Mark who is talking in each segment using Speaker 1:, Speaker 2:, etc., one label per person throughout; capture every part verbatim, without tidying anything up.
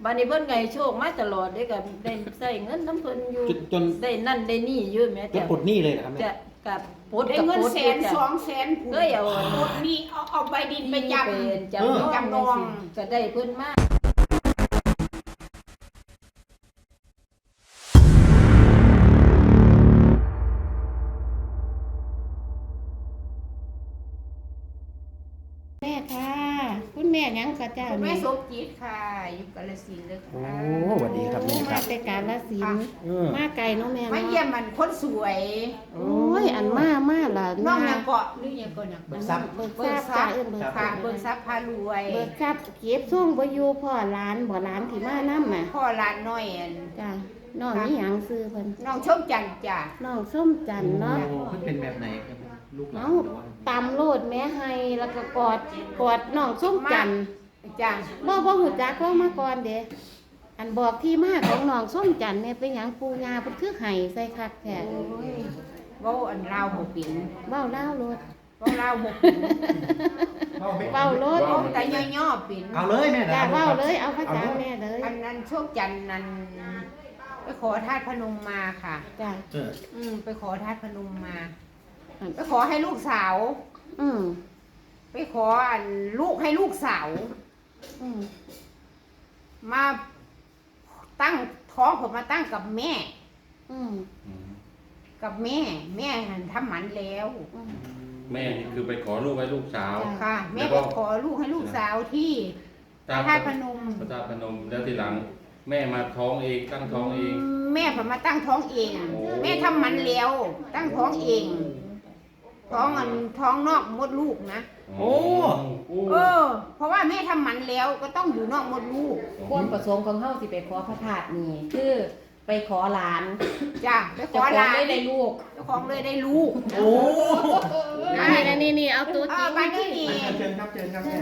Speaker 1: บัดนี้เพิ่นไงโชคมาตลอดเด้ก็ได้ใช้เงินน้ำเพิ่นอยู่
Speaker 2: จนจน
Speaker 1: ได้นั่นได้นี่อยู่แม่
Speaker 2: จนปลดหนี้เลยเหรอครับแม่
Speaker 1: จะกับปลด
Speaker 3: ได้
Speaker 1: กับ
Speaker 3: เงิน
Speaker 1: ปลด
Speaker 3: แสน
Speaker 1: จ้ะ
Speaker 3: สองแสน
Speaker 1: เคยเอา
Speaker 3: ปลดหนี่เอาเอาใบดินไปจำ
Speaker 1: เป็นจำ
Speaker 3: เออ
Speaker 1: นอง
Speaker 3: จำนอง
Speaker 1: ก็ได้เพิ่นมา
Speaker 4: แม่ค่ะคุณแม่หยังกะเจ้า
Speaker 3: คุณแม่
Speaker 4: นี่
Speaker 3: สมจิตค่ะอยู่กาฬสินธุ์เลย
Speaker 2: โอ้
Speaker 3: ค่ะ
Speaker 2: สวัสดีครับแม่ค
Speaker 4: มา
Speaker 2: รับ
Speaker 4: แต่การละสินธุ์
Speaker 2: เออ
Speaker 4: มาไกลเนาะแม่
Speaker 3: มา
Speaker 4: เนาะ
Speaker 3: เยี่ยมมันคนสวย
Speaker 4: โอ้ยอันมามาล่ะ
Speaker 3: น้องยังเกาะหรือยังเกาะยัง
Speaker 2: เบิกทรัพย์
Speaker 4: เบิก
Speaker 3: เบิ
Speaker 4: ทรั
Speaker 3: ก
Speaker 4: พย์
Speaker 3: ทรั
Speaker 4: จ้า
Speaker 3: พย์
Speaker 4: เอิ้นเบิกทรั
Speaker 3: ค่ะ
Speaker 4: พย์
Speaker 3: เบิกทรัพย์พารวย
Speaker 4: เบิกทรัพย์เก็บส่งบ่อยู่พ่อหลานบ่หลานที่มานำน่ะ
Speaker 3: พ่อหลานน้อยอัน
Speaker 4: จ้าน้องนี่หยังซื้อเพิ่น
Speaker 3: น้องชมจันทร์จ้ะ
Speaker 4: น้องส้มจันทร์เนาะ
Speaker 2: โอ้มันเป็นแบบไหนครับลูกหลาน
Speaker 4: เอ้า
Speaker 2: หรือว่า
Speaker 4: ตำโลดแม่ให้แล้วก็กอดกอดน้องส้มจันทร์
Speaker 3: จ้ะ
Speaker 4: บ่บ่ฮู้จักเขามาก่อนเด้อันบอกที่มาของน้องส้มจันทร์เนี่ยเป็นหยังปู่ย่าเพิ่นคือให้ใส่คักแท้
Speaker 3: โอ้ยเว้าอันลาวบ่เป็น
Speaker 4: เว้าลาวโลด
Speaker 3: เว้าลาวบ่เป็น
Speaker 4: เว้ารถ
Speaker 3: เว้าแต่ย่อๆเป็น
Speaker 2: เอาเลยแม่
Speaker 4: จ้า
Speaker 2: นะ
Speaker 4: เว้าเลยเอาภาษาแม่เลย
Speaker 3: อันนั้นโชคจันทร์นั้นไปขอธาตุพนมมาค่ะ
Speaker 4: จ้า
Speaker 2: เออ
Speaker 3: อืมไปขอธาตุพนมมา
Speaker 4: อืม
Speaker 3: ไปขอให้ลูกสาว
Speaker 4: อืม
Speaker 3: ไปขออันลูกให้ลูกสาว
Speaker 4: อืม
Speaker 3: มาตั้งท้องผมมาตั้งกับแม่
Speaker 4: อืม
Speaker 3: กับแม่ แม่หันทำหมันแล้ว
Speaker 4: อืม
Speaker 5: แม่นี่คือไปขอลูกไว้ลูกสาว
Speaker 4: จ้ะ
Speaker 3: ค่ะ แม่
Speaker 5: แล้ว
Speaker 3: ไป
Speaker 5: ก็
Speaker 3: ขอลูกให้ลูกสาวที่พระธาตุพนม
Speaker 5: พระธาตุพนมแล้วทีหลัง แม่มาท้องเองตั้งท้องเอง
Speaker 3: แม่ผมมาตั้งท้องเอง
Speaker 5: โอ้
Speaker 3: แม่ทำหมันแล้ว ตั้งท้องเอง ท้องอันท้องนอกมดลูกนะ
Speaker 2: โอ้
Speaker 3: เออ เพราะว่าแม่ทำหมันแล้วก็ต้องอยู่นอกมดลูก
Speaker 4: ความประสงค์ของเฮาสิไปขอพระธาตุนี่คือไปขอหลาน
Speaker 3: จ้ะไปข
Speaker 4: เจ้า
Speaker 3: อ
Speaker 4: ของ
Speaker 3: หลาน
Speaker 4: ได้ได้ลูก
Speaker 3: เจ้าของเลยได้ลูก
Speaker 2: โอ้
Speaker 4: นี่นะนี่นี่เอาตัว
Speaker 3: เอ
Speaker 4: จริ
Speaker 3: อง บ้านที่นี่
Speaker 2: เชิญครับเชิญครับแม่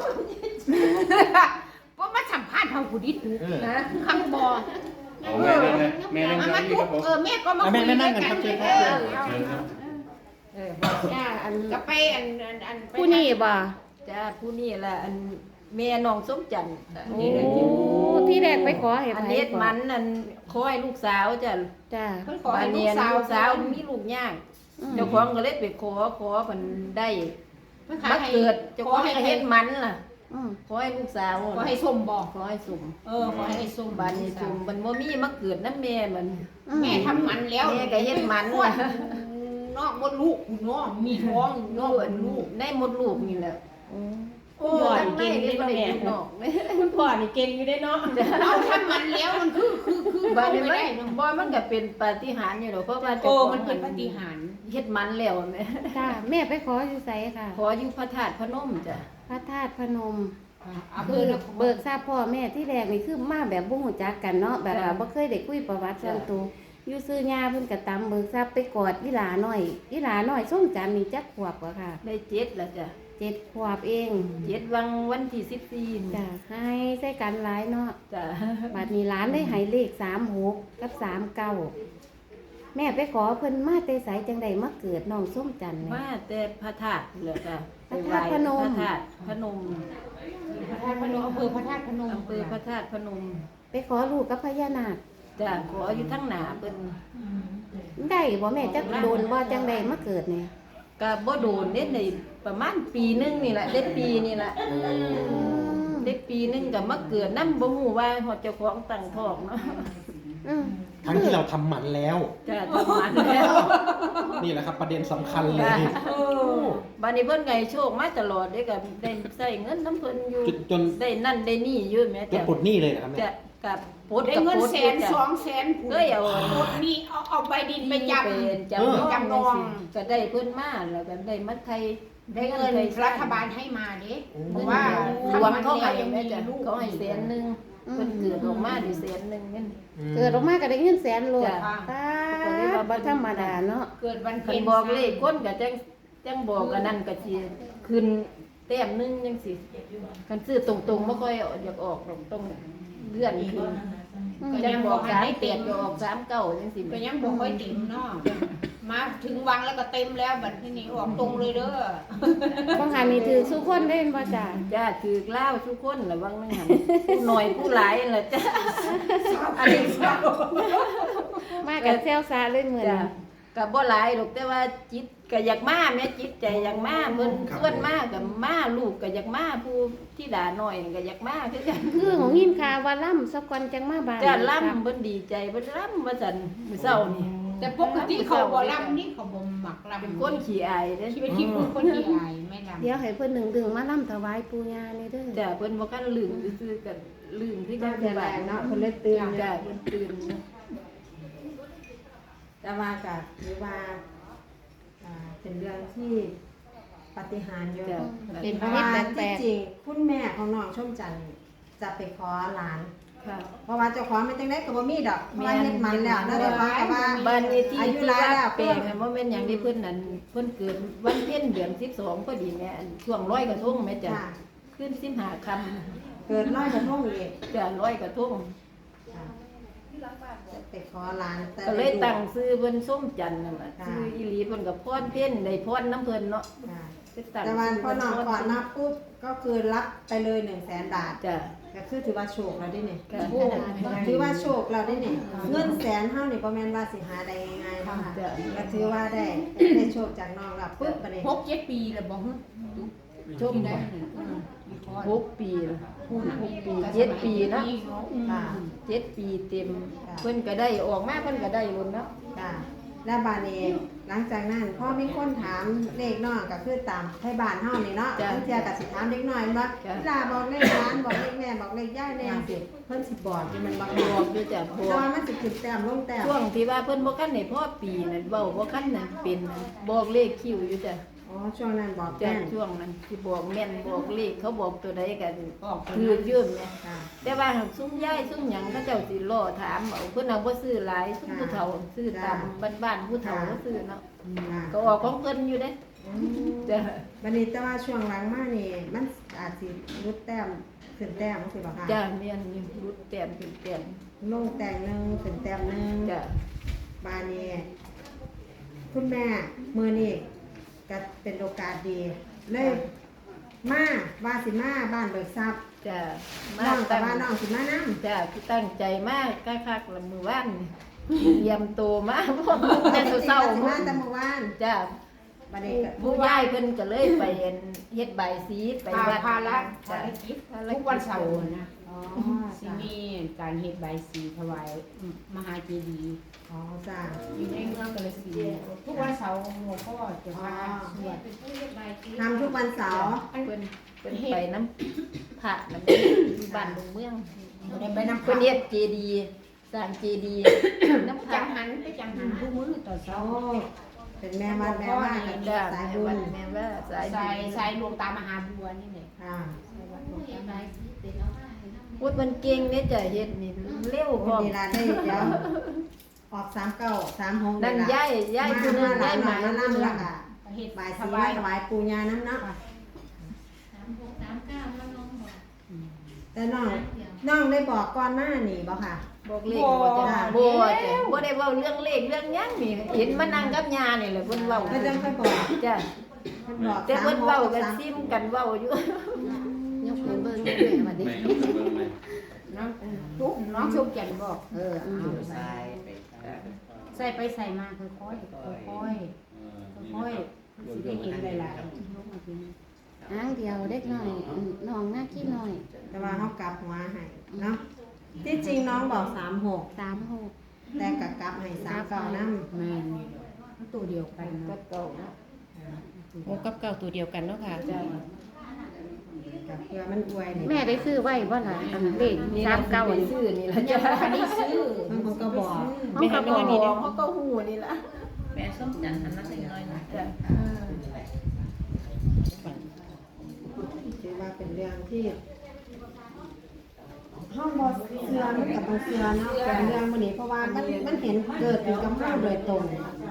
Speaker 3: เพราะมาสัมภาษณ์ทางผู้ดิษฐ์
Speaker 2: เออ
Speaker 3: นะคำบอ
Speaker 5: เอาแม่นั่งเลยแม่นั่ง
Speaker 3: มา
Speaker 5: เก้า
Speaker 3: มา
Speaker 5: อี้
Speaker 3: ทุ
Speaker 5: ค
Speaker 3: ก
Speaker 5: รับผม
Speaker 3: เออแม่ก็มา
Speaker 2: อ่ะ
Speaker 3: คุ
Speaker 2: แม่
Speaker 3: ย
Speaker 2: แม่นั่ง
Speaker 3: กั
Speaker 2: กันครับเชิญค
Speaker 3: เอ
Speaker 2: รับ
Speaker 3: อ
Speaker 5: เชิญครับ
Speaker 3: เออ
Speaker 4: จ้าอัน
Speaker 3: ก็ไปอันอันอันไป
Speaker 4: ผู้นี่บ่
Speaker 1: จ้าผู้นี้แหละอันแม่น้องสมจันทร์
Speaker 4: โอ้ที่แรกไปขอให้
Speaker 1: อัน
Speaker 4: ไผ
Speaker 1: เฮ็ด
Speaker 4: ก่อ
Speaker 1: มันอันขอให้ลูกสาวจ้ะ
Speaker 4: จ้า
Speaker 3: เพิ่นขอ
Speaker 1: บั
Speaker 3: ให้
Speaker 1: ด
Speaker 3: ลู
Speaker 1: นี้
Speaker 3: ก
Speaker 1: อัน
Speaker 3: สาว
Speaker 1: ลูกสาวมีลูกยาก
Speaker 4: อืม
Speaker 1: เจ้าของก็เลยไปขอขอเพิ่นได้
Speaker 3: เพิ่น
Speaker 1: มา
Speaker 3: ขายให้
Speaker 1: เกิดเจ้าของก็เฮ็ดมันล่ะ
Speaker 4: อืม
Speaker 1: ขอให้ลูกสาว
Speaker 3: ขอให้ส้มบอก
Speaker 1: ขอให้สุ่ม
Speaker 3: เออขอให้ไอ้ส้ม
Speaker 1: บัดนี้สุ่มมันบ่มีมาเกิดนำแม่มัน
Speaker 4: อืม
Speaker 3: แม่ทำหมันแล้ว
Speaker 1: แม่ก็เฮ็ดหมัน
Speaker 3: คลอดนอกมดลูกเนาะมีท้องนอกมดลูก
Speaker 1: ได้มดลูกนี่แหละ
Speaker 4: โอ้ย
Speaker 1: ทั้งในนี่บ่ได้อยู่นอก
Speaker 4: คุณพ่อนี่เก่งอยู่ได้เนาะ
Speaker 3: เอาทำหมันแล้วมันคือคือคือ
Speaker 1: บัดนี้
Speaker 3: ไม่
Speaker 1: มัน
Speaker 3: ได้เนาะ
Speaker 1: บ่มันก็เป็นปาฏิหาริย์อยู่ดอกเพราะว่า
Speaker 3: โอ้
Speaker 1: เจ้าของ
Speaker 3: มันเป็นปาฏิหาริย์
Speaker 1: เฮ็ดมันแล้วแม่
Speaker 4: จ้าแม่ไปขออยู่ไสค่ะ
Speaker 1: ขออยู่พระธาตุพนมจ้ะ
Speaker 4: พระธาตุพนม
Speaker 3: เอา
Speaker 4: คื
Speaker 3: เบิ
Speaker 4: อก
Speaker 3: เบิ
Speaker 4: เบิ
Speaker 3: ก
Speaker 4: กทราบพ่อแม่ที่แรกนี่คือมาแบบบ่ฮู้จักกันเนาะแบบว่าบ่เคยได้คุยประวัติส่วนตัวอยู่ซื้อย่าเพิ่นก็ตำเบิกทราบไปกอดอีหลาน้อยอีหลาน้อยส้มจันทร์นี่จักขวบกว่าค่ะ
Speaker 1: ได้เจ็ดแล้วจ้ะ
Speaker 4: เจ็ดขวบเอง
Speaker 1: เจ็ดวังวันที่สิบสี่นี่
Speaker 4: จ้ะให้ใส่กันหลายเนาะ
Speaker 1: จ้ะ
Speaker 4: บัดนี้หลานได้ให้เลขสามหกกับสามเก้าแม่ไปขอเพิ่นมาแต่ไสจังไดมาเกิดน้องส้มจันทร์นี่
Speaker 1: มาแต่พระธาตุนี่แหละจ้ะ
Speaker 4: พระธาตุพนม
Speaker 1: พระธาตุพนม
Speaker 3: พระธาตุพนมอำเภอพระธาตุพนม
Speaker 1: อำเภอพระธาตุพนม
Speaker 4: ไปขอลูกกับพญานาค
Speaker 1: จ้ะขออยู่ทั้งหนาเพิ่น
Speaker 4: ได้บ่แม่จักโดนบ่จังไดมาเกิดนี่
Speaker 1: ก็บ่โดนเด็ดในประมาณปีหนึงนี่แหละได้ปีนี่แหละได้ปีหนึงก็มาเกิดนำบ่ฮู้ว่าฮอดเจ้าของตั้งท้องเนาะ
Speaker 4: อืม
Speaker 2: ทั้งที่เราทำหมันแล้ว
Speaker 1: จ้ะทำมันแล้ว
Speaker 2: นี่แหละครับประเด็นสำคัญเลย
Speaker 1: จ้ะบัดนี้เพิ่นไงโชคมาตลอดเด้ก็ได้ใช้เงินน้ำเพิ่นอยู่
Speaker 2: จนจน
Speaker 1: ได้นั่นได้นี่อยู่แม่
Speaker 2: จน
Speaker 1: จ้ะ
Speaker 2: ปลดหนี้เลยเหรอครับแม่
Speaker 1: จะกับปลด
Speaker 3: ได้
Speaker 1: กับ
Speaker 3: เงิน
Speaker 1: ปลด
Speaker 3: แสน
Speaker 1: จ้ะ
Speaker 3: สองแสน
Speaker 1: เคยเอา
Speaker 3: ปลดหนี่เอาเอาใบดินไปจำ
Speaker 1: เป็นจำ
Speaker 2: เออ
Speaker 1: นอง
Speaker 3: จำนอง
Speaker 1: ก็ได้เพิ่นมาแล้วก็ได้มาไทย
Speaker 3: ได้เงินรัฐบาลให้มาเด้เพ
Speaker 1: เพ
Speaker 3: ราะ
Speaker 1: ราะ
Speaker 3: ว่า
Speaker 1: ว่า
Speaker 3: ทำ
Speaker 1: รวมเขาให้
Speaker 3: ยัง
Speaker 1: แม่
Speaker 3: มี
Speaker 1: จ้ะ
Speaker 3: ลูก
Speaker 1: เขาให้แสนหนึงเพิ่นเกิดออกมาได้แสนหนึงนั่น
Speaker 4: เกิดออกมาก็ได้เงินแสนโลด
Speaker 1: จ้ะ
Speaker 4: ตาบ่ธรรมดาเนาะ
Speaker 3: เกิดวัน
Speaker 1: คั
Speaker 3: เพ็
Speaker 1: น
Speaker 3: ญ
Speaker 1: บอกเลขคนก็จังจังบอกกันนั่นก็สิขึ้นแต้มหนึงจังสิคันซื้อตรงๆบ่ค่อยอยากออกตรงๆเลื่อนขึ้น
Speaker 4: อืม
Speaker 1: จังบอกสามเปียดก็ออกสามเก้าจังสิ
Speaker 3: ก็ยังบ่ค่อยเต็มเนาะมาถึงวังแล้วก็เต็มแล้วบัดทีนี้ออกตรงเลยเด้อ
Speaker 4: บางหันนี่ถือสุคนได้บ่จ้า
Speaker 1: จ้าถือเล่าทุกคนระวังนั่นหันผู้น้อยผู้หลายนั่นแหละจ้าอันนี้เศร้า
Speaker 4: มากับเซลซาเลยเหมือน
Speaker 1: จ้ากับบ่หลายหรอกแต่ว่าจิตก็อยากมาแม่จิตใจอยากมาเพิ่นเพิ่นมากับมาลูกก็อยากมาผู้ที่ด่าน้อยก็อยากมาคือกัน
Speaker 4: คือของยินข่าวว่าล่ำสักวันจังมาบ้าน
Speaker 1: จ้าล่ำเพิ่นดีใจเพิ่นล่ำว่าซั่นมื้อเช้านี่
Speaker 3: แต่ปกติเขาบ่ลำนี่เขาบ่หมักลำ
Speaker 1: เป็นคนขี้อายเด้อ
Speaker 3: ชีวิตที่เป็นคนขี้อายไม่ลำ
Speaker 4: เดี๋ยวให้เพิ่นหนึ่งดึงมาล่ำถวายปู่ย่านี่เด้อ
Speaker 1: จ้าเพิ่นบ่คันลืมซื่อๆกันลืมที่
Speaker 3: เจ้า
Speaker 1: กัน
Speaker 3: แต่แร
Speaker 1: บ้าน
Speaker 3: ก
Speaker 1: เนาะ
Speaker 3: เนาะคนเลยตื่น
Speaker 1: จ้าเพิ่นตื่น
Speaker 6: แต่ว่าก็ถือว่าอ่าเป็นเรื่องที่ปาฏิหาริย์อยู่
Speaker 1: จ้า
Speaker 4: เป็น
Speaker 6: เพ
Speaker 4: พระ
Speaker 6: ราะ
Speaker 4: เว
Speaker 6: ว่า
Speaker 4: ทแปล
Speaker 6: ที่
Speaker 4: ก
Speaker 6: จริงคุณแม่ของน้องชมจันทร์จะไปขอหลาน
Speaker 1: ค่ะ
Speaker 6: เพราะว่าเจ้าของไม่จังได้ก็บ่มีดอกเพราะว่าเฮ็ดมันแล้วแล้วเจ้าของก็ว่า
Speaker 1: บ้านนี้ที่
Speaker 6: อายุ
Speaker 1: ที่
Speaker 6: หลาย
Speaker 1: ว่า
Speaker 6: แล้ว
Speaker 1: แปลงน่ะบ่แม่นหยังที่เพิ่นนั่นเพิ่นเกิดวันเพ็ญเดือนสิบสองพอดีแม่อันช่วงร้อยกระทงแม่จ้ะ
Speaker 6: ค่ะ
Speaker 1: ขึ้นสิบห้าค่ำ
Speaker 6: เกิดร้อยกระทงอีก
Speaker 1: จ้ะร้อยกระทง
Speaker 6: ค่ะจะไปขอหลานแต่
Speaker 1: ก็เลยตั้งชื่อเพิ่นส้มจันทร์นั่นน่ะ
Speaker 6: ค่ะ
Speaker 1: ชื่ออีหลีเพิ่นก็พรเพ็ญได้พรน้ำเพิ่นเนาะ
Speaker 6: ค่ะ
Speaker 1: ไปตั้ง
Speaker 6: แต่วัน
Speaker 1: ชื่
Speaker 6: พอน้อง
Speaker 1: เพิ่
Speaker 6: ก่อนมาปุ๊บก็คือรับไปเลยหนึ่งแสนบาท
Speaker 1: จ้ะ
Speaker 6: ก็คือถือว่าโชคแล้วได้เนี่ย
Speaker 1: ก็
Speaker 6: โอ้ถือว่าโชคเราได้เนี่ยเงินแสนเท่านี่ประมาณว่าสิหาได้ง่ายๆเนาะค่ะ
Speaker 1: จ้ะ
Speaker 6: ก็ถือว่าได้ได้โชคจากน้องเราปุ๊บไปเลย
Speaker 3: หกเจ็ดปีแล้วบ่ฮะ
Speaker 1: ชม
Speaker 3: ได้
Speaker 1: บ่
Speaker 3: อืม
Speaker 1: หกปีแล้วหกปีเจ็ดปีเนาะ
Speaker 6: ค่ะ
Speaker 1: เจ็ดปีเต็ม
Speaker 6: ค่ะ
Speaker 1: เพิ่นก็ได้ออกมาเพิ่นก็ได้ลุ้นเนาะ
Speaker 6: ค่ะแล้วบานเองหลังจากนั้นพ่อมีคนถามเลขน้องก็คือตามให้บ้านเฮานี่เนาะ
Speaker 1: จ้ะ
Speaker 6: บางเทียก็สิถามเด็กน้อยว่า
Speaker 1: จ้ะ
Speaker 6: เวลาบอกเลขร้านบอกเลขแม่บอกเลขย่ายแน่สิเพิ่นสิบอกที่มันบอก
Speaker 1: บอกอยู่จ้ะบ
Speaker 6: แต่
Speaker 1: อก
Speaker 6: ว่ามันสิขึ้นแต้มลงแต้ม
Speaker 1: ช่วงที่ว่าเพิ่นบ่คันได้พ่อปีนั่นเว้าบ่คันนั่นเป็นนั่นบอกเลขคิวอยู่จ้ะ
Speaker 6: อ๋อช่วงนั้นบอก
Speaker 1: จ้ะ
Speaker 6: แม่น
Speaker 1: ช่วงนั้นสิบอกแม่นบอกเลขเขาบอกตัวใดก็
Speaker 3: ออก
Speaker 1: คือยืมเนี่ย
Speaker 6: ค่ะ
Speaker 1: แต่ว่าซุ้มยายซุ้มหยังเขาเจ้าสิรอถามเอาเพิ่นเอาบ่ซื้อหลายซุ้มผู้เฒ่าซื้อตามบ้านๆผู้เฒ่าก็ซื้อเนาะ
Speaker 6: ค่ะ
Speaker 1: ก็ออกของเพิ่นอยู่เด้
Speaker 6: อืม
Speaker 1: จ้ะ
Speaker 6: บัดนี้แต่ว่าช่วงหลังมานี่มันอาจสิลดแต้มขึ้นแต้มสิบ่ค่ะ
Speaker 1: จ้ะแม่นอยู่รุดแต้มขึ้นแต้ม
Speaker 6: ลงแต้มหนึงขึ้นแต้มหนึง
Speaker 1: จ้ะ
Speaker 6: บานนี้คุณแม่มือนี่ก็เป็นโอกาสดี เลยมาว่าสิมาบ้านเบิกทรัพย์
Speaker 1: จ้ะ
Speaker 6: น้องแต่
Speaker 1: ตั้ง
Speaker 6: ว่าน้องสิมานํ
Speaker 1: จ้ะคือตั้งใจมากคักๆละมื้อวานนี่เตรียมตัวมาพวกแต่เช้า
Speaker 6: สิ
Speaker 1: ๆ
Speaker 6: มาแต่เมื่อวาน
Speaker 1: จ้ะ
Speaker 6: บัดนี้ก็
Speaker 1: ผู้ยายเพิ่นก็เลยไปเฮ็ดเฮ็ดใบายสีไป
Speaker 3: ภา
Speaker 1: วัด
Speaker 3: ภาระ
Speaker 1: จ้ะ
Speaker 3: ภารกิจทุกวันเสาร์นะ
Speaker 6: อ๋อ
Speaker 3: สิ
Speaker 6: จ้ะ
Speaker 3: มีการเฮ็ดใบสีถวายมหาเจดีย์
Speaker 6: อ๋อจ้า
Speaker 3: อยู่ในเมืองกาฬสินธุ์ทุกวันเสาร์หลวงพ่อจะพาสวด
Speaker 6: ทำทุกวันเสาร์
Speaker 1: เพิ่นเพิ่นไปน้ำพระน้ำอยู่บ้านลงเมือง
Speaker 3: บ่ได้ไปนำ
Speaker 1: เพิ่นเฮ็ดเจดีย์สร้างเจดีย์น้ำพ
Speaker 3: จั
Speaker 1: ระ
Speaker 3: งหันไปจังหันทุกมื้อตอนเช้า
Speaker 6: โอ้เป็นแม่วัดแม่ว่ากัน
Speaker 1: จ้ะ
Speaker 6: สาย
Speaker 1: แม่
Speaker 6: บุ
Speaker 1: วั
Speaker 6: ญ
Speaker 1: ดแม่ว่าสาย
Speaker 3: ใส่
Speaker 1: บุญ
Speaker 3: ใส่หลวงตามหาบัวนี่แหละ
Speaker 6: ค่ะ
Speaker 1: พูดมันเก่งเด้จ้ะเฮ็ดนี่เร็วพ
Speaker 6: โอ้
Speaker 1: ร้อม
Speaker 6: ดีลาได้เดี๋ยวออกสามเก้าสามหก
Speaker 1: นั่นย้ายย้ายผู้หนึงย้ายหมา
Speaker 6: มา
Speaker 1: ผู้หนึ
Speaker 6: ล่ำ
Speaker 1: ง
Speaker 6: ละค่ะ
Speaker 3: เฮ็ด
Speaker 6: บ่าย
Speaker 3: ถ
Speaker 6: สี
Speaker 3: วาย
Speaker 6: ถวายปูญาน้ำเนาะแต่น้องน้องได้บอกก่อนหน้านี่บ่ค่ะ
Speaker 1: บอกเลขบ่จ้ะบ่จ้ะบ่ได้เว้าเรื่องเลขเรื่องหยังนี่เห็นมานั่งกับยานี่แหละเพิ่นเว้า
Speaker 6: เพิ่นจังค่อยบอก
Speaker 1: จ้ะ
Speaker 6: เพิ่นบอก
Speaker 1: แต่เพิ่นเว้ากัน
Speaker 6: สามห
Speaker 1: ซิมกันเว้าอยู่
Speaker 4: ยกมือเบิ่งแม่มาดิ
Speaker 5: แม่ยกมือเบิ่งแม่
Speaker 3: น้องทุกน้องชุกจันบอก
Speaker 4: เออเอา
Speaker 3: ใส่ไปใส่มาค่อยๆค่อยๆค่อยๆสิได้เห็นหลายๆลงมาทีนี้
Speaker 4: อ้างเดียวเด็กน้อยอืมน้องหน้าขี้น้อย
Speaker 6: แต่ว่าเขากลับหัวให้เนาะที่จริงน้องบอกสามหก
Speaker 4: สามหก
Speaker 6: แต่กกลับให้สามเก้านั่
Speaker 3: แม่นนี่มันตัวเดียวกัน
Speaker 1: ก็
Speaker 3: เนาะ
Speaker 1: เก่าเนาะ
Speaker 7: โอ้กับเก่าตัวเดียวกันเนาะค่ะ
Speaker 1: จ้ะ
Speaker 6: กับเพื่อมันอวยนี่
Speaker 4: แม่ได้ซื้อไว้บ่ล่ะอันเลข
Speaker 1: นี่
Speaker 4: สามเก้า
Speaker 1: ไป
Speaker 4: อัน
Speaker 1: ซื้อนี่ล่ะ
Speaker 3: ยั
Speaker 1: จ้ะ
Speaker 3: งบ่ได้ซื้อ
Speaker 6: มันคงก็บอก
Speaker 4: ห้องกระบอก
Speaker 1: นี่เขาก็ฮู้นี่ล่ะ
Speaker 7: แม่ส้มจันทร์อันนั้นน้อยๆนะ
Speaker 1: จ้ะ
Speaker 6: ถือว่าเป็นเรื่องที่ห้องบอเสือมันกับบอเสือเนาะเป็นเรื่องมันนี้เพราะว่ามันมันเห็นเกิดอยู่กับเราโดยตรง